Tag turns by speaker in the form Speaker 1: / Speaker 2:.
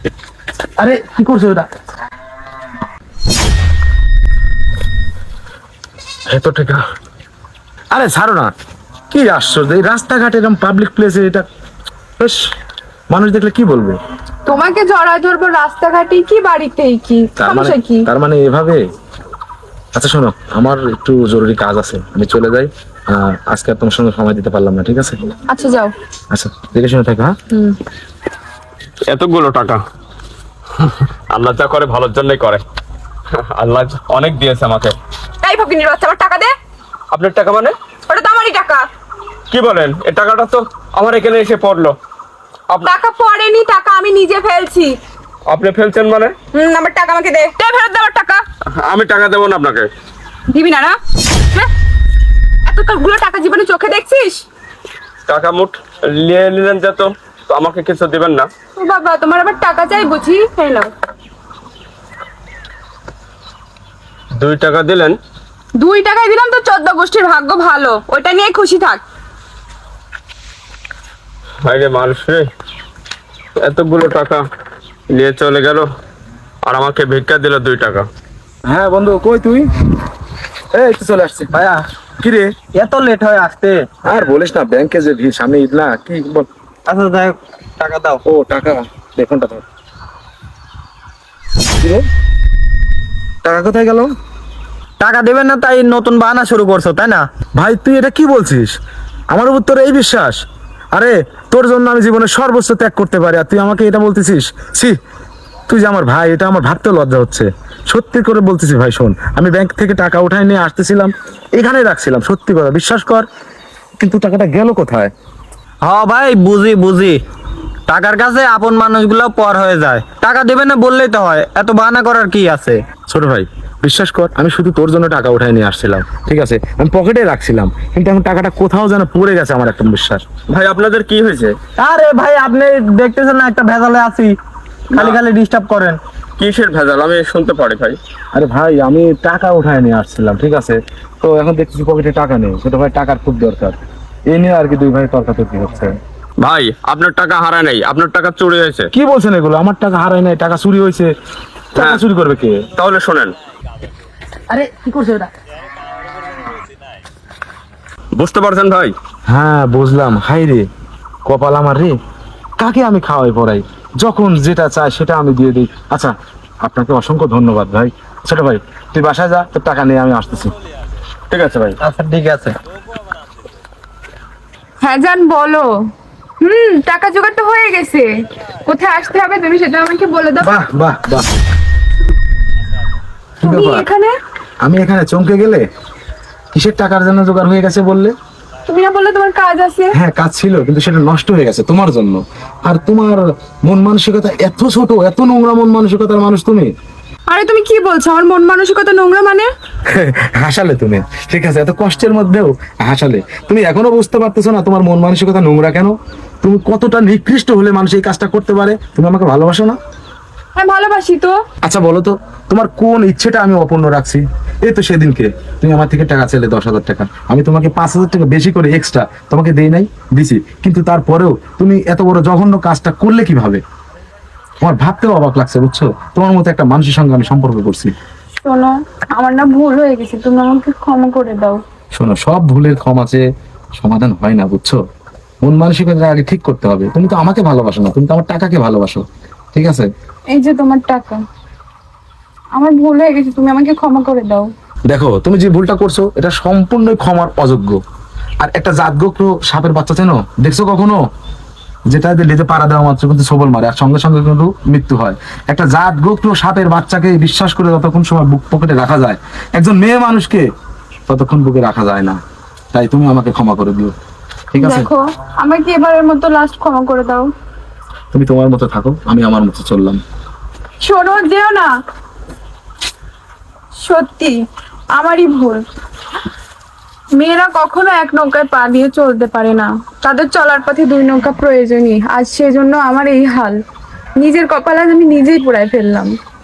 Speaker 1: আরে কি করছো এটা? এত টাকা? আরে ছাড়ো না, কি আশ্চর্য, এই রাস্তাঘাটে এরকম পাবলিক প্লেসে এটা বেশ, মানুষ দেখলে কি বলবে?
Speaker 2: তোমাকে জড়ায় ধরবো রাস্তাঘাটে কি বাড়িতেই কি সমস্যা কি?
Speaker 1: তার মানে এভাবে? আচ্ছা শোনো, আমার একটু জরুরি কাজ আছে, আমি চলে যাই। আজকে আর তোমার সঙ্গে সময় দিতে পারলাম না, ঠিক আছে?
Speaker 2: আচ্ছা যাও।
Speaker 1: আচ্ছা দেখে শুনে থাকো। হ্যাঁ,
Speaker 3: এতগুলো টাকা আল্লাহ যা করে ভালোর জন্যই করে। আল্লাহ অনেক দিয়েছে আমাকে।
Speaker 2: এই ফকিনির বাচ্চা, আমার টাকা দে।
Speaker 3: আপনার টাকা মানে?
Speaker 2: ওটা তো আমারই টাকা।
Speaker 3: কি বলেন? এই টাকাটা তো আমার এখানে এসে পড়লো।
Speaker 2: টাকা পড়েনি, টাকা আমি নিজে ফেলছি।
Speaker 3: আপনি ফেলছেন মানে?
Speaker 2: আমার টাকা আমাকে দে। দে ফেরত দে আমার টাকা।
Speaker 3: আমি টাকা দেবো না আপনাকে।
Speaker 2: দিবি না? না এতগুলো টাকা জীবনে চোখে দেখছিস?
Speaker 3: টাকা মুঠ নিয়ে নিলেন যে, তো আমাকে কিছু দিবেন না?
Speaker 2: ও বাবা, তোমার আবার টাকা চাই বুঝি? এই নাও।
Speaker 3: 2 টাকা দিলেন?
Speaker 2: 2 টাকায় দিলাম তো 14 গোষ্ঠীর ভাগ্য ভালো, ওইটা নিয়ে খুশি থাক।
Speaker 3: আরে মানুষ রে, এতগুলো টাকা নিয়ে চলে গেল আর আমাকে ভিক্ষা দিল 2 টাকা।
Speaker 1: হ্যাঁ বন্ধু, কই তুই? এই তো চলে আসছি।
Speaker 4: ভাইয়া
Speaker 1: কি রে,
Speaker 4: এত লেট হয়ে আসতে?
Speaker 1: আর বলিস না, ব্যাংকে যে ভিড়, সামনে ঈদ না, কি বল?
Speaker 4: আচ্ছা যাই হোক, টাকা দাও।
Speaker 1: ও টাকা, দেখুনটা ধর। কি রে, টাকা কোথায় গেল?
Speaker 4: টাকা দেবেন না তাই নতুন বাহানা শুরু করছো, তাই না?
Speaker 1: ভাই তুই এটা কি বলছিস? আমার উপর তোর এই বিশ্বাস? আরে তোর জন্য আমি জীবনে সর্বোচ্চ ত্যাগ করতে পারি, আর তুই আমাকে এটা বলতেছিস? ছি, তুই যে আমার ভাই, এটা আমার ভাবতেও লজ্জা হচ্ছে। সত্যি করে বলতেছি ভাই, শোন, আমি ব্যাংক থেকে টাকা উঠাই নিয়ে আসতেছিলাম, এখানে রাখছিলাম, সত্যি কথা বিশ্বাস কর। কিন্তু টাকাটা গেল কোথায়?
Speaker 4: হ্যাঁ ভাই, বুঝি বুঝি, টাকার কাছে আপন মানুষগুলো পর হয়ে যায়। টাকা দেবেন না বললেই তো হয়, এত বাহানা করার কি আছে?
Speaker 1: ছোট ভাই বিশ্বাস কর, আমি শুধু তোর জন্য টাকা উঠাই নিয়ে আসছিলাম, ঠিক আছে? আমি পকেটে রাখছিলাম, কিন্তু এখন টাকাটা কোথাও যেন পড়ে গেছে, আমার একটা বিশ্বাস।
Speaker 3: ভাই আপনাদের কি হয়েছে?
Speaker 4: আরে ভাই, আপনি দেখতেছেন না একটা ভেজালে আছি, খালি খালি ডিস্টার্ব করেন।
Speaker 3: কিসের ভেজাল আমি শুনতে পারি ভাই?
Speaker 1: আরে ভাই আমি টাকা উঠায় নিয়ে আসছিলাম, ঠিক আছে? তো এখন দেখতেছি পকেটে টাকা নেই, ছোট ভাই টাকার খুব দরকার, এই নিয়ে আর কি দুই ভাই তর্কাতর্কি হচ্ছে।
Speaker 3: ভাই আপনার টাকা হারায় নাই, আপনার টাকা চুরি হয়েছে।
Speaker 1: কি বলছেন এগুলো? আমার টাকা হারায় নাই, টাকা চুরি হয়েছে? টাকা চুরি করবে কে?
Speaker 3: তাহলে শোনেন,
Speaker 2: আরে কি করছো এটা?
Speaker 3: বুঝতে পারছেন ভাই?
Speaker 1: হ্যাঁ বুঝলাম। হাই রে কপাল আমার রে, কাকে আমি খাওয়াই পড়াই, যখন যেটা চাই সেটা আমি দিয়ে দিই। আচ্ছা আপনাকে অসংখ্য ধন্যবাদ ভাই। ছোট ভাই তুই বাসায় যা, তোর টাকা নিয়ে আমি আসতেছি।
Speaker 3: ঠিক আছে ভাই।
Speaker 4: আচ্ছা ঠিক আছে।
Speaker 2: হ্যাঁ জান বলো। টাকা জোগাড় তো হয়ে গেছে, কোথায় আসতে হবে তুমি সেটা আমাকে বলে দাও।
Speaker 1: বাহ বাহ বাহ, কি
Speaker 2: তুমি
Speaker 1: ব্যাপার?
Speaker 2: এখানে?
Speaker 1: আমি এখানে চমকে গেলে, কিসের টাকার জন্য জোগাড় হয়ে গেছে বললে?
Speaker 2: তুমি না বললে তোমার কাজ আছে?
Speaker 1: হ্যাঁ কাজ ছিল, কিন্তু সেটা নষ্ট হয়ে গেছে তোমার জন্য। আর তোমার মন মানসিকতা এত ছোট, এত নোংরা মন মানসিকতার মানুষ তুমি।
Speaker 2: আরে তুমি কি বলছো? আমার মন মানসিকতা নোংরা মানে?
Speaker 1: হাসালে তুমি, ঠিক আছে? এত কষ্টের মধ্যেও হাসালে। তুমি এখনো বুঝতে পারতেছো না তোমার মন মানসিকতা নোংরা কেন? তুমি কতটা নিকৃষ্ট হলে মানুষ এই কাজটা করতে পারে? তুমি আমাকে ভালোবাসো না?
Speaker 2: হ্যাঁ ভালোবাসি তো।
Speaker 1: আচ্ছা বলো তো, তোমার কোন ইচ্ছেটা আমি অপূর্ণ রাখছি? এই তো সেদিনকে তুমি আমার থেকে টাকা চাইলে 10,000 টাকা, আমি তোমাকে 5,000 টাকা বেশি করে এক্সট্রা তোমাকে দেই নাই? দিছি। কিন্তু তারপরেও তুমি এত বড় জঘন্য কাজটা করলে কিভাবে? আমার ভাবতেও অবাক লাগছে, বুঝছো? তোমার মতো একটা মানুষের সঙ্গে আমি সম্পর্ক করছি।
Speaker 2: শোনো, আমার না ভুল হয়ে গেছে, তুমি আমাকে ক্ষমা করে দাও।
Speaker 1: শোনো, সব ভুলের ক্ষমাতে সমাধান হয় না, বুঝছো? মন মানসিকতা আগে ঠিক করতে হবে। তুমি তো আমাকে ভালোবাসো না, তুমি তো আমার টাকাকে ভালোবাসো, ঠিক আছে?
Speaker 2: এই যে তোমার টাকা, আমার ভুল হয়ে গেছে, তুমি আমাকে ক্ষমা করে দাও।
Speaker 1: দেখো তুমি যে ভুলটা করছো এটা সম্পূর্ণই ক্ষমার অযোগ্য। আর একটা জাতগোত্র সাপের বাচ্চা চেনো? দেখছো কখনো? যেটা লেজে পাড়া দেওয়া মাত্র কিন্তু সবল মারে, আর সঙ্গে সঙ্গে কিন্তু মৃত্যু হয়। একটা জাতগোত্র সাপের বাচ্চাকে বিশ্বাস করে যতক্ষণ সময় বুক পকেটে রাখা যায়, একজন মেয়ে মানুষকে ততক্ষণ বুকে রাখা যায় না। তাই তুমি আমাকে ক্ষমা করে দিও, ঠিক আছে?
Speaker 2: দেখো, আমাকে এবারের মতো লাস্ট ক্ষমা করে দাও।
Speaker 1: তুমি তোমার মতো থাকো, আমি আমার মতো চললাম।
Speaker 2: শোনো, যেও না। সত্যি আমারই ভুল। মেয়েরা কখনো এক নৌকায় পা দিয়ে চলতে পারে না, তাদের চলার পথে 2 নৌকা প্রয়োজনই। আজ সেজন্য আমার এই হাল, নিজের কপালে আমি নিজেই পোড়ায় ফেললাম।